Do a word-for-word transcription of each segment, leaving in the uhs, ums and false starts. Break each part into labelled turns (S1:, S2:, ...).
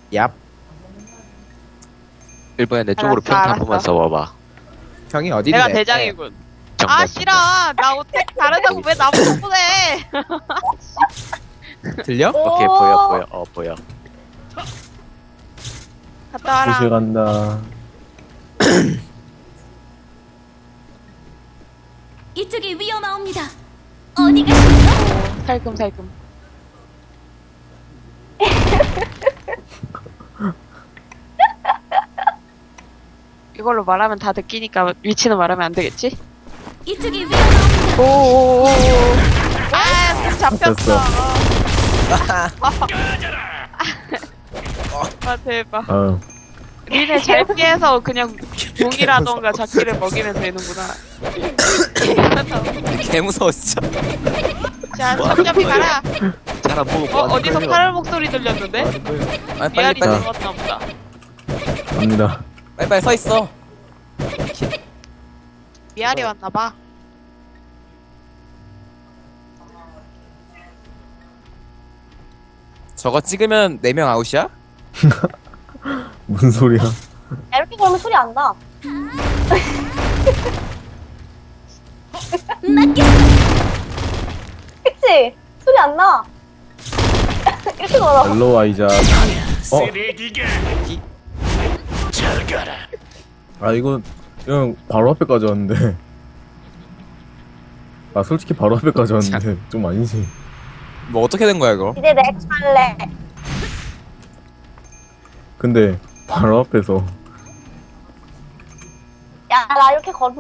S1: 얍.
S2: 일본에 내 쪽으로
S3: 알았어,
S2: 평타 한
S3: 알았어.
S2: 번만 써봐봐.
S1: 형이 어딘데?
S3: 내가 대장이군.
S2: 정답.
S3: 아 싫어. 나 어떻게 다르다고 왜 나보고 보내?
S1: 들려?
S2: 오케이 보여 보여 어 보여.
S3: 갔다 와라.
S4: 구실 간다.
S5: 이쪽이 위험하옵니다. 어디 가시죠?
S3: 오, 살금살금. 이걸로 말하면 다 듣기니까 위치는 말하면 안 되겠지?
S5: 이쪽이 위험하옵니다.
S3: 오오오오. 아, 잡혔어.
S4: 됐어.
S3: 아 대박.
S4: 아,
S3: 니네 잘 피해서 그냥 공이라던가 잡기를 먹이면 되는구나.
S1: 개 무서워 진짜.
S3: 자, 잡잡이 가라.
S2: 잘안 보고
S3: 어,
S2: 뭐
S3: 어디서
S2: 하는 거예요?
S3: 팔 목소리 들렸는데?
S1: 아, 빨리
S3: 미아리
S1: 빨리
S3: 들었나 보다.
S4: 갑니다.
S1: 빨리 빨리 서 있어.
S3: 미아리 왔나봐.
S1: 저거 찍으면 네 명 아웃이야?
S4: 무슨 소리야?
S6: 야, 이렇게 걸으면 소리 안 나. 그치? 소리 안 나. 이렇게 걸어.
S4: 헬로 아이작. 어? 아 이거 그냥 바로 앞에까지 왔는데. 아 솔직히 바로 앞에까지 왔는데 좀 아니지.
S1: 뭐 어떻게 된 거야 이거?
S6: 이제 내 차례.
S4: 근데 바로 앞에서
S6: 야, 나 이렇게 걸으면.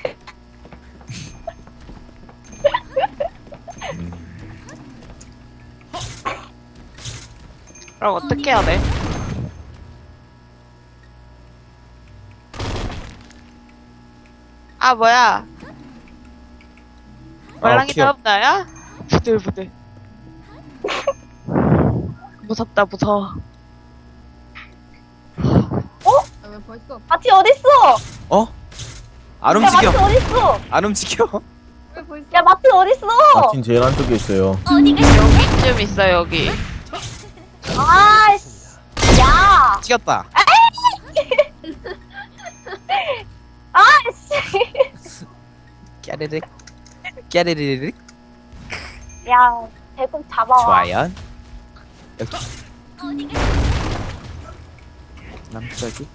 S3: 그럼 어떻게 해야 돼? 아 뭐야? 말랑이
S1: 귀여워.
S3: 다음 나야? 부들부들. 무섭다 무서워.
S6: 마티 어딨어?
S1: 어? 안
S6: 야, 마티
S1: 움직여.
S6: 어딨어?
S1: 안 움직여.
S6: 야, 마티 어딨어?
S4: 마틴 제일 안쪽에 있어요.
S5: 어디 가시죠?
S3: 여기쯤 있어 여기.
S6: 아이씨. 야.
S1: 찍었다.
S6: 아이씨.
S1: 깨르륵. 깨르르륵.
S6: 야, 대금 잡아와.
S1: 좋아요. 여기
S5: 어디 가시죠?
S1: 남쪽이.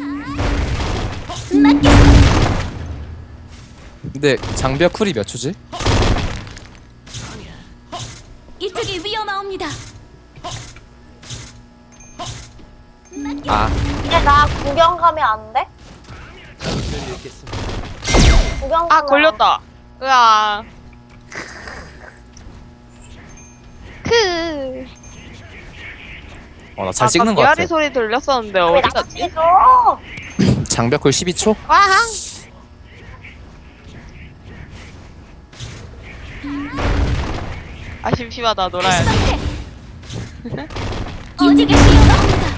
S5: 맞겠어.
S1: 근데 장벽 쿨이 몇 초지?
S5: 이쪽이 위험하옵니다.
S1: 아,
S6: 이제 나 구경 가면 안 돼? 구경 가면
S3: 아 걸렸다. 으아. 크.
S1: 어 나 잘 찍는 거
S3: 미아리
S1: 같아.
S3: 소리 들렸었는데
S6: 왜
S3: 어디
S6: 나같
S3: 갔지?
S6: 줘
S1: 장벽 쿨 십이 초?
S3: 와항. 아 심심하다 놀아야지.
S5: 어디가 위험하옵니다.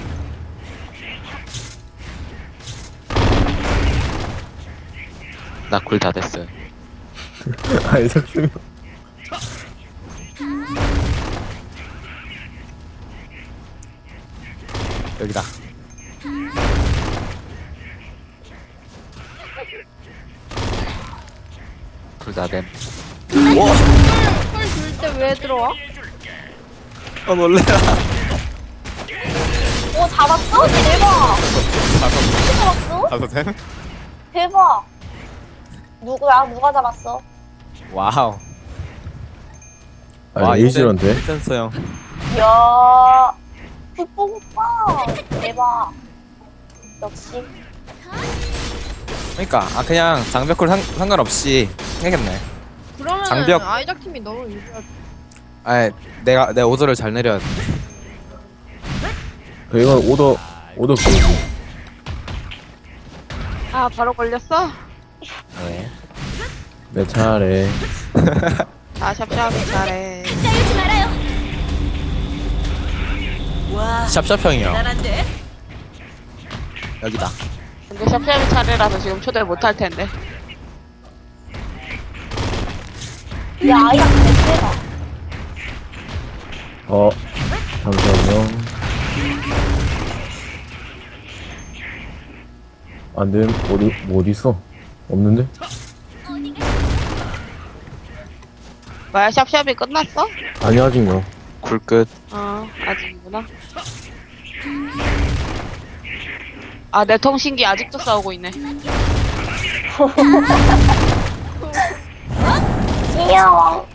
S2: 나 굴 다 됐어요.
S4: 아이작 슈
S1: 여기다.
S2: 굴 다 됨.
S3: 왜 들어와?
S1: 어 놀래라.
S6: 오, 잡았어? 대박. 어떻게 잡았어?
S1: 가도 됨?
S6: 대박. 누구야? 누가 잡았어?
S1: 와우.
S4: 아 에이지런데?
S1: 센서 형.
S6: 이야. 국뽕 오빠. 대박. 역시.
S1: 그러니까 아 그냥 장벽 쿨 상, 상관없이 해야겠네.
S7: 그러면
S1: 장벽.
S7: 아이작 팀이 너무 유리하지.
S1: 아 내가 내 오더를 잘 내려야 돼.
S4: 그 이건 오더 오더 그거지.
S3: 아 바로 걸렸어?
S1: 네.
S4: 내 차례.
S3: 아 샵샵이 잘해.
S5: 싸우지 말아요.
S1: 샵샵 형이요.
S5: 잘한데.
S1: 여기다.
S3: 근데 샵샵이 차례라서 지금 초대 못할 텐데.
S6: 야, 아이가 대세다.
S4: 어 잠시만요. 안돼. 어디 뭐 어디 있어? 없는데?
S3: 뭐야, 샵샵이 끝났어?
S4: 아니 아직 뭐.
S2: 굴 끝.
S3: 어, 아직이구나. 아, 내 통신기 아직도 싸우고 있네.
S6: 귀여워.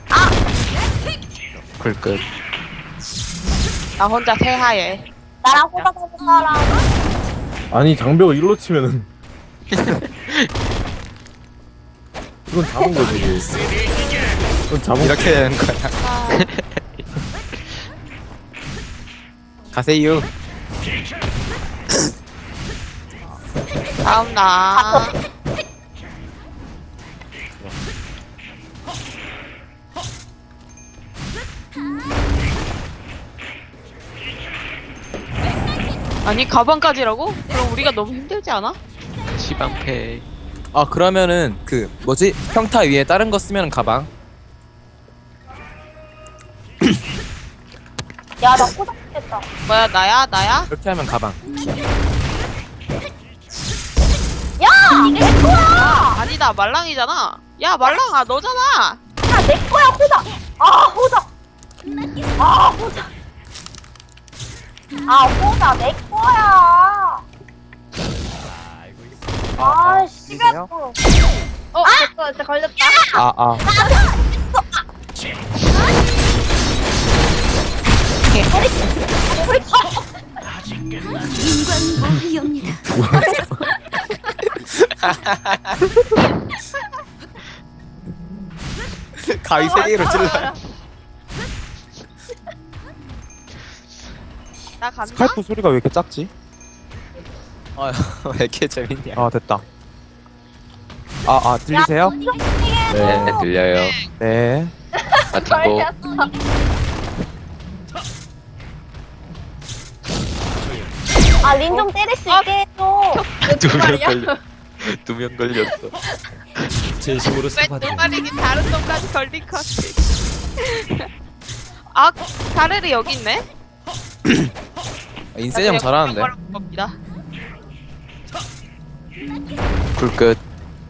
S2: 굴 끝.
S3: 나 혼자 새하얘.
S6: 나랑 호박하는 사람.
S4: 아니 장벽을 일로 치면은 이건 잡은 거지. 이건 잡은
S1: 이렇게 되는 거야.
S3: 아,
S1: 가세요.
S3: 다음 나. 아니, 가방까지라고? 그럼 우리가 너무 힘들지 않아?
S2: 시방패.
S1: 아 그러면은 그 뭐지 평타 위에 다른 거 쓰면 가방.
S6: 야, 나 호박 죽겠다.
S3: 뭐야, 나야? 나야?
S1: 이렇게 하면 가방.
S6: 야! 내 거야!
S3: 아니다, 말랑이잖아. 야, 말랑아, 너잖아.
S6: 야, 내 거야, 호박! 아, 호박! 아, 호박! 아, 호박, 내 거야! 아, 씨.
S1: 보이세요?
S7: 어, 됐어. 진짜 걸렸다.
S1: 아 아.
S5: 인광모기입니다.
S1: 가위 세 개로 찔러.
S3: 나 간다?
S8: 스카이프 소리가 왜 이렇게 작지?
S1: 아, 왜 이렇게 재밌냐?
S8: 아 됐다. 아 아 들리세요?
S2: 네,
S4: 네.
S2: 들려요.
S8: 네.
S2: 같은 거.
S6: 아, 린 좀 때릴 수 있게 해줘.
S2: 두 명 걸려. 두 명 걸렸어.
S3: 왜 노말이긴 다른 놈까지 걸린 거지? 아, 가르르 여기 있네?
S1: 인센 형 잘하는데.
S3: 겁니다.
S2: 굴 끝.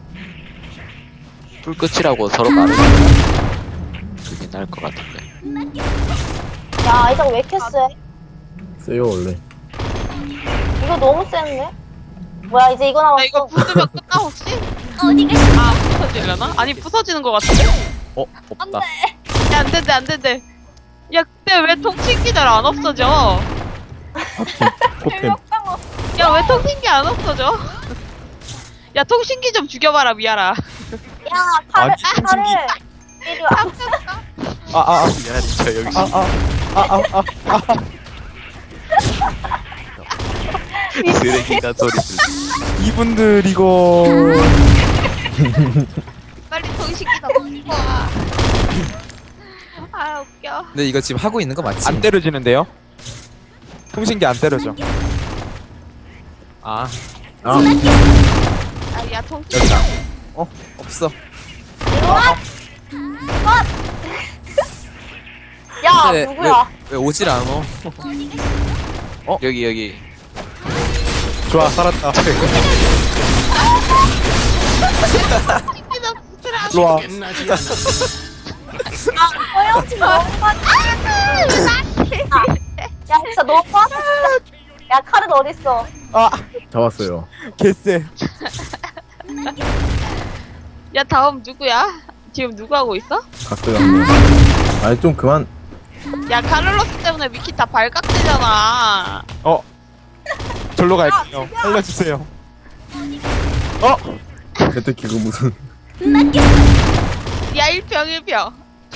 S2: 굴 끝이라고 서로 말을. 그게 나을 것 같은데.
S6: 야, 아이작 왜 이렇게 세?
S4: 세요 원래.
S6: 이거 너무 센데? 뭐야, 이제 이거
S3: 나
S6: 남았어.
S3: 이거 부수면 끝나 혹시?
S5: 어디 가시?
S3: 아, 부서지려나? 아니, 부서지는 것 같은데?
S1: 어 없다.
S3: 야, 안 된대, 안 된대. 야, 근데 왜 통신기 잘 안 없어져?
S4: 포템.
S3: 야, 왜 통신기 안 없어져? 야, 통신기 좀 죽여봐라, 미아라.
S6: 야, 칼을,
S8: 아니,
S6: 칼을. 이리 와.
S8: 아아아아아아
S2: 미안해, 저 여기. 쓰레기가 소리 들려.
S8: 이분들 이거
S3: 빨리 통신기 넣고 와. 아, 웃겨.
S1: 근데 이거 지금 하고 있는 거 맞지?
S8: 안 때려지는데요? 통신기 안 때려져.
S1: 아
S4: 아
S3: 아, 야, 통신기.
S1: 여기다. 어 없어.
S6: 이리 와. 야,
S1: 근데
S6: 누구야?
S1: 왜, 왜 오질 않어?
S2: 여기 여기.
S8: 좋아 살았다. 일로 와.
S6: 아, 허영치 너무하지. 야, 진짜 너무하다. 야, 칼은 어딨어?
S8: 아
S4: 잡았어요.
S8: 개쎄.
S3: 야, 다음 누구야? 지금 누구 하고 있어?
S4: 갔어요 한 명. 아니 좀 그만.
S3: 야, 카를로스 때문에 미키 다 발각되잖아.
S8: 어 절로 갈게요. 살려주세요. 어
S4: 제트키 그 무슨.
S3: 야, 일평, 일평.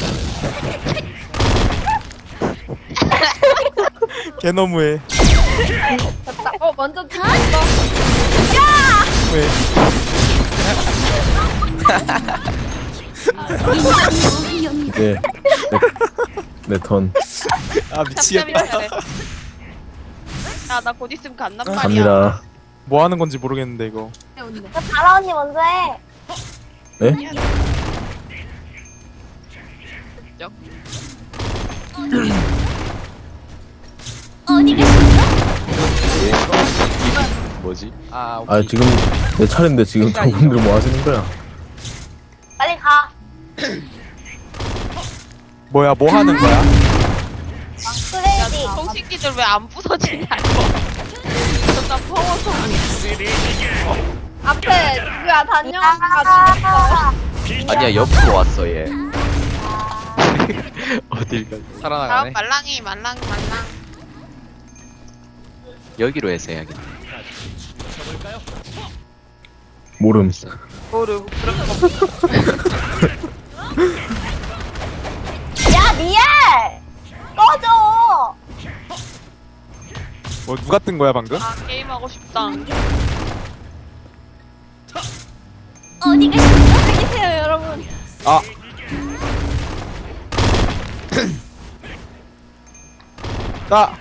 S8: 개 너무해.
S7: 됐다. 어, 먼저 가.
S8: 왜?
S5: 인광모기입니다.
S4: 이제 내 턴
S1: 아 미치겠다.
S3: 야, 나 곧 있으면 간단 말이야.
S4: 갑니다.
S8: 뭐 하는 건지 모르겠는데 이거.
S6: 야, 다라 언니 먼저 해.
S4: 네?
S5: 어디 가시?
S2: 뭐지?
S1: 아 오케이.
S4: 아 지금 내 차례인데 지금 저분들 뭐 하시는 거야?
S6: 빨리 가.
S8: 뭐야 뭐 하는 거야?
S6: 크레이지.
S3: 통신기들 왜 안 부서지냐고. 존나 퍼워서.
S7: 앞에 누구야 단영
S6: 아,
S2: 아니야 옆으로 왔어 얘. 어딜 가?
S3: 다음
S1: 살아나가네.
S3: 말랑이 말랑 말랑.
S2: 여기로 해서 해야겠다.
S4: 모름.
S3: 모르 그런 거.
S6: 야 미엘. 꺼져.
S8: 뭐 누가 뜬 거야 방금?
S3: 아 게임 하고 싶다.
S5: 어디 가십니까?
S7: 여기 계세요 여러분.
S8: 아 아!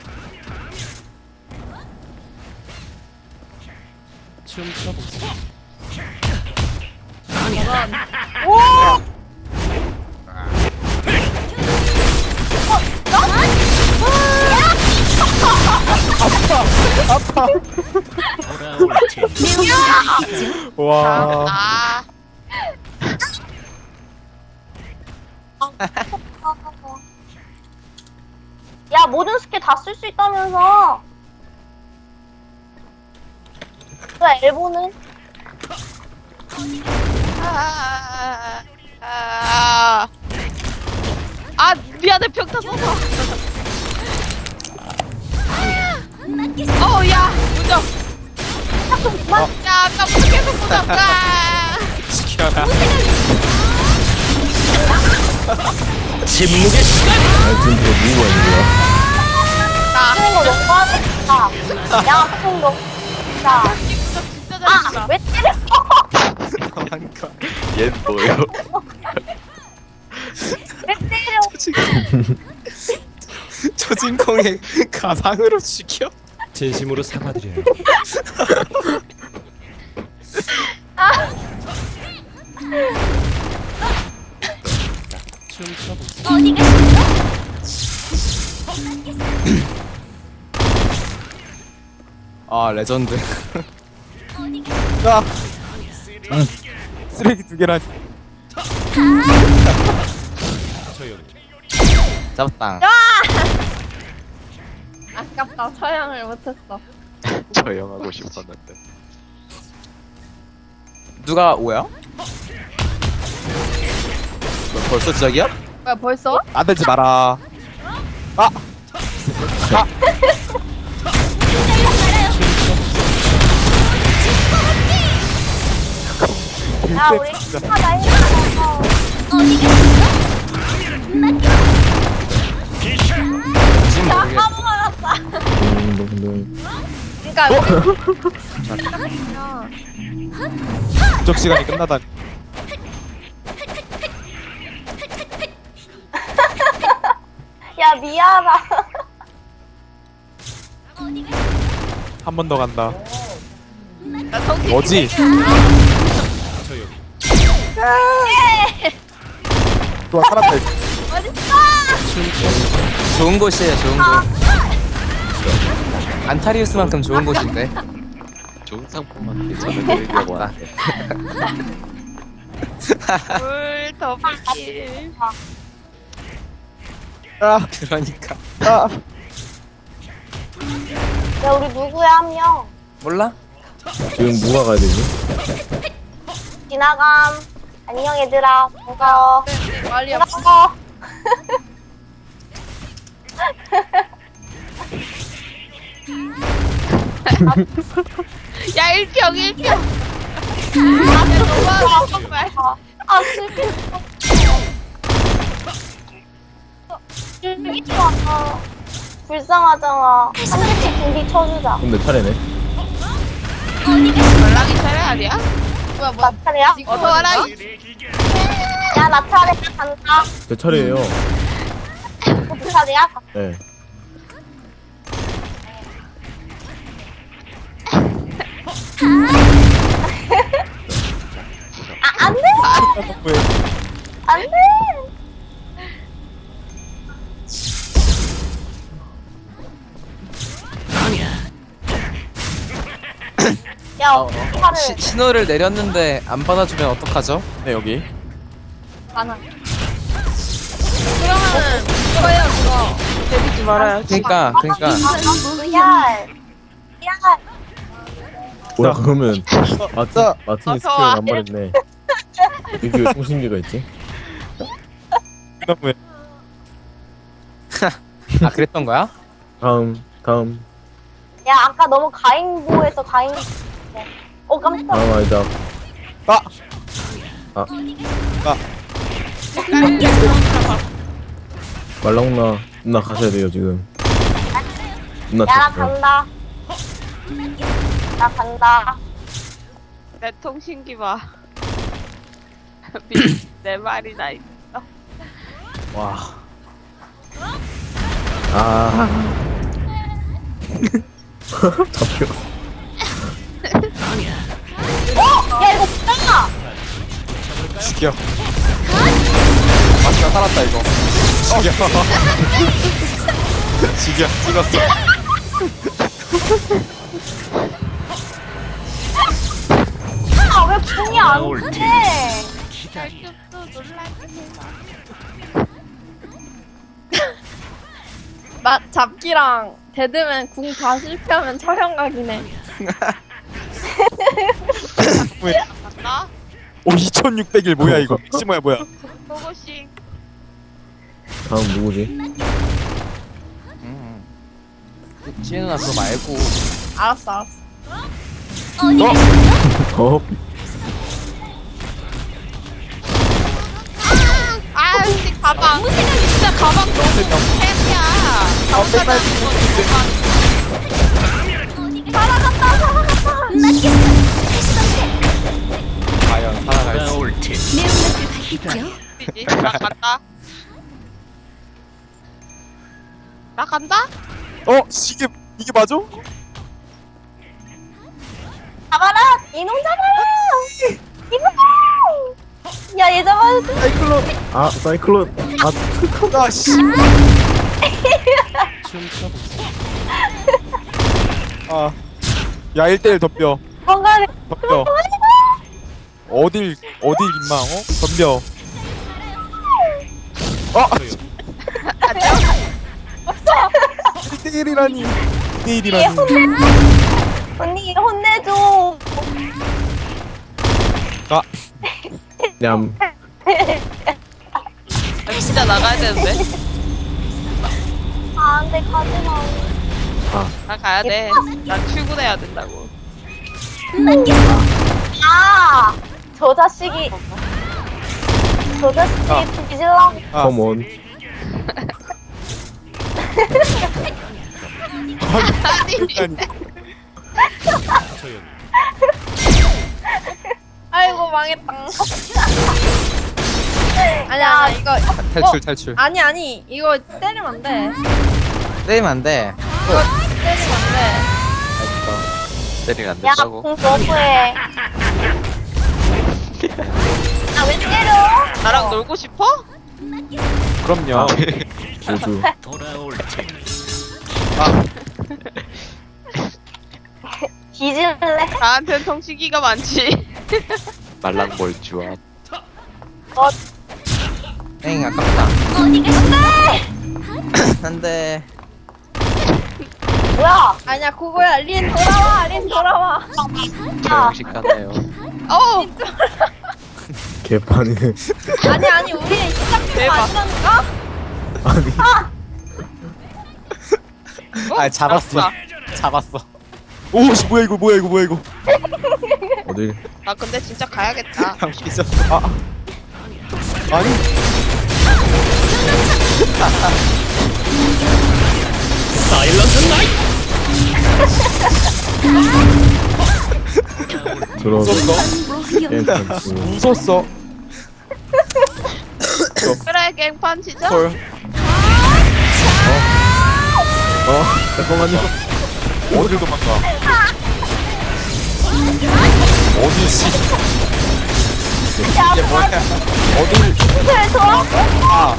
S8: 와
S3: 아
S6: 야 모든 스킬 다 쓸 수 있다면서. 그 엘보는?
S3: 아, 아, 아, 미안해, 평타 써서. 어, 야, 무적. 야, 아까부터 계속 무적. 아,
S1: 지켜라.
S4: 아 지금 저거 누구가 있는 거야?
S3: 나.
S6: 쓰는 거 너무 하겠다. 야 통도. 자.
S3: 무적 진짜 잘 쓴다.
S6: 아왜 때려?
S1: 도망가.
S2: 얘 뭐예요?
S6: 왜 때려?
S1: 초진공의 가방으로 죽여.
S9: 진심으로 사과드려요.
S5: 어디 가십니까?
S1: 아 레전드.
S5: 어디 가십니까?
S8: 아! 응. 쓰레기 두 개란
S1: 잡았다.
S7: 아깝다 처형을 못했어.
S2: 조용하고 싶었는데.
S1: 누가 오야? 너 벌써 시작이야?
S7: 뭐야 벌써?
S8: 안되지 마라 아!
S6: 야 우리 하나 해서.
S5: 어디 가십니까?
S1: 지금 모르겠.
S6: 까먹었다.
S4: 음,
S7: 그러니까
S8: 부적 시간이 끝나다니
S6: 야 미안하다.
S5: 어디 가십니까?
S8: 한 번 더 간다
S3: 나 성질
S8: 뭐지? 좋아 살았다
S1: 좋은 곳이에요, 좋은 곳. 안타리우스만큼 좋은 곳인데.
S2: 좋은 상품한테 저는 드리려고 하는데.
S3: 물 더블킬.
S8: 아!
S1: 그러니까.
S8: 아!
S6: 야 우리 누구야 한 명?
S1: 몰라?
S4: 지금 누가 가야 되지?
S6: 지나감. 안녕 얘들아. 반가워.
S7: 말이 없어.
S6: 반가워.
S3: 야, 일평, 일평. 아, 너무하다, 정말.
S6: 아 슬픈. 슬프지 마. 불쌍하잖아. 한 대씩 군디 쳐주자.
S4: 그럼 내 차례네.
S5: 어디 가십니까?
S3: 말랑이 차례 아니야?
S7: 뭐야 뭐야.
S6: 나 차례야?
S3: 어서 와라.
S6: 야 나 차례 간다.
S4: 제 차례예요.
S6: 그 차례야?
S4: 네.
S6: 아 안돼. 안돼. 야,
S1: 어,
S6: 팔을
S1: 시, 신호를 내렸는데 안 받아주면 어떡하죠?
S8: 네 여기.
S7: 가나. 그러면은 그거예요 그거.
S3: 때리지 말아요.
S1: 그러니까 그러니까
S6: 야, 야,
S4: 뭐야 그러면 마틴 마틴이 스킬
S3: 어서 와.
S4: 안 말했네. 여기 왜 통신기가 있지?
S8: 그다음에
S1: 아 그랬던 거야?
S4: 다음 다음
S6: 야, 아까 너무 가인보에서 가인. 어, 깜짝.
S4: 다음 아이다.
S8: 아
S4: 말랑나 누나 가셔야 돼요 지금. 누나
S6: 야, 나
S4: 쳤어요.
S6: 간다. 나 간다.
S3: 내 통신기 봐. 미- 내 말이나 있어.
S1: 와
S4: 아 잡혀.
S6: 어? 야, 이거 뭐야?
S8: 죽여. 마스가 살았다 이거. 죽여. 죽여. 찍었어.
S6: 아, 왜 궁이 안 돼?
S3: 또 놀라긴 해봐.
S7: 마 잡기랑 데드맨 궁 다 실패하면 촬영 각이네.
S3: 나
S8: 오 이천육백 일 뭐야 이거. 씨 뭐야 뭐야.
S3: 고고싱.
S4: 다음 누구지?
S1: 음. 지은아 그거 말고
S7: 알았어 알았어.
S5: 어디
S8: 어?
S5: 계시죠?
S4: 어?
S3: 아, 근데 가방. 진짜 가방 너무 템이야. 가방
S6: 살아갔다, 살아갔다.
S5: 맞겠어. 다시 선택.
S8: 과연 살아갈지.
S5: 매운맛을 받겠죠?
S3: 이지 나 간다. 나 간다?
S8: 어? 이게 이게 맞아?
S6: 잡아라! 이놈 잡아라! 이놈! 야, 얘 잡아야지.
S8: 사이클론.
S4: 아 사이클론. 아
S8: 아 씨. 아. 야 일 대일 덤벼.
S6: 건강해.
S8: 덤벼. 어딜 어딜 임마 어? 덤벼. 어? 일 대일이라니. 일
S6: 얘
S8: 대일이라니.
S6: 혼내줘. 언니, 얘 혼내줘.
S4: 냠.
S3: 나 진짜 나가야 되는데.
S6: 아, 안 돼, 가지 마.
S3: 나 가야 돼. 나 출근해야 된다고.
S6: 아! 저 자식이. 저 자식이 뒤질라고.
S8: 아.
S4: 컴온.
S3: 아니,
S8: 아니.
S7: 아이고 망했다. 아니 아니 이거
S1: 탈출 탈출
S7: 아니 아니 이거 때리면 안 돼.
S1: 때리면 안돼
S7: 이거 때리면 안 돼.
S2: 때리면 안
S6: 야,
S2: 된다고?
S6: 궁 너무해. 아, 왜 때려?
S3: 나랑 놀고 싶어?
S8: 그럼요.
S4: 조주.
S6: 뒤질래?
S3: 나한텐 통신기가 많지.
S2: 말랑몰주와
S1: 땡 아깝다
S5: 어디 계시죠?
S1: 안돼
S6: 뭐야?
S7: 아니야 그거야. 린 돌아와. 린 돌아와.
S2: 조용식 하나요.
S3: 어우,
S4: 개판이네.
S7: 아니 아니 우리 시작된 거
S3: 대박.
S7: 아니라니까?
S4: 아니.
S3: 어?
S1: 아 잡았어
S3: 알았다.
S1: 잡았어
S8: 오씨 뭐야 이거 뭐야 이거 뭐야 이거.
S4: 어딜?
S3: 나 근데 진짜 가야겠다.
S8: 형 삐졌어. 아. 아니.
S4: 들어서
S8: 웃었어?
S4: 게임 펼치고.
S8: 웃었어.
S3: 그래, 갱판 치자.
S8: 헐.
S4: 어 잠깐만요.
S8: 어딜 도망가? 어디 씨?
S6: 야,
S8: 이게 뭐야? 어딜?
S6: 그래, 좋아?
S8: 아,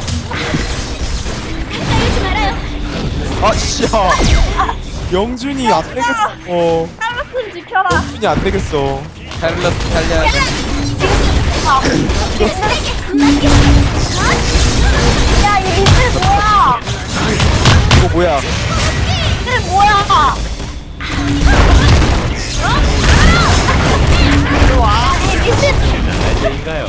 S5: 가지 말아요.
S8: 아 씨야. 영준이 안 되겠어. 어.
S7: 토슨 지켜라.
S8: 토끼니 안 되겠어.
S1: 샬럿 살려야 돼.
S6: 야, 이 미친 뭐야?
S8: 이거 뭐야?
S6: 미친 뭐야? 이 미친.
S9: 날개인가요?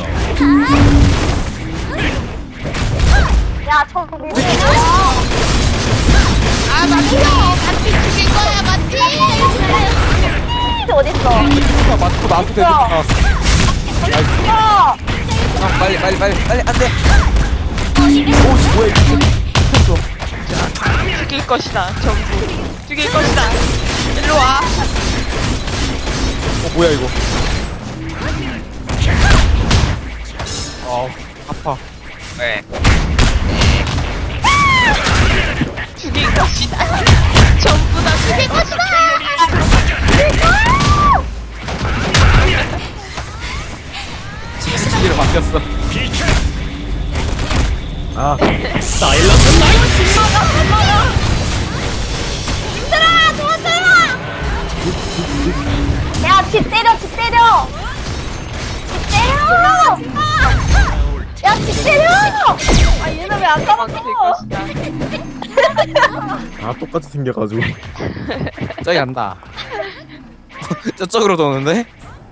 S6: 야, 저 미친 뭐야?
S3: 아 맞죠. 같이 죽일 거야 맞지?
S6: 어딨어?
S8: 아, 맞고 나서 되는 거 나왔어.
S6: 야!
S1: 형 빨리 빨리 빨리 빨리 안돼.
S8: 오씨 뭐야 이거 미쳤어.
S3: 죽일 것이다 전부. 죽일 것이다. 일로 와.
S8: 어 뭐야 이거. 아 아파.
S1: 네.
S3: 죽일 것이다. 전부 다 죽일 것이다.
S1: 지지기로 바뀌었어.
S4: 아
S6: 야, 집 때려, 집 때려! 집 때려! 야, 집 때려!
S7: 아 얘는 왜 안
S3: 죽일
S7: 잡았어?
S3: 것이다.
S4: 아 똑같이 생겨가지고
S1: 저기 간다. 저쪽으로 도는데?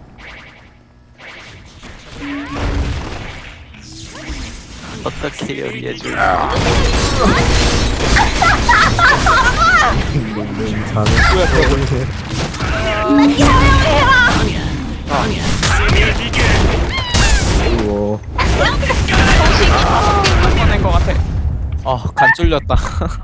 S2: 어떻게 여기해줄?
S4: 농농 자는
S8: 뭐야 저거.
S4: 우와
S1: 보낸 것 같아. 어간 쫄렸다.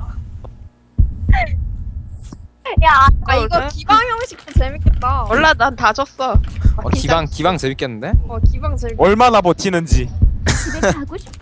S6: 야,
S7: 아 이거 기방 형식 재밌겠다.
S3: 몰라 난 다 졌어.
S1: 어 기방 기방 재밌겠는데?
S7: 어 기방 재밌.
S8: 얼마나 버티는지.
S5: 집에 가고 싶어.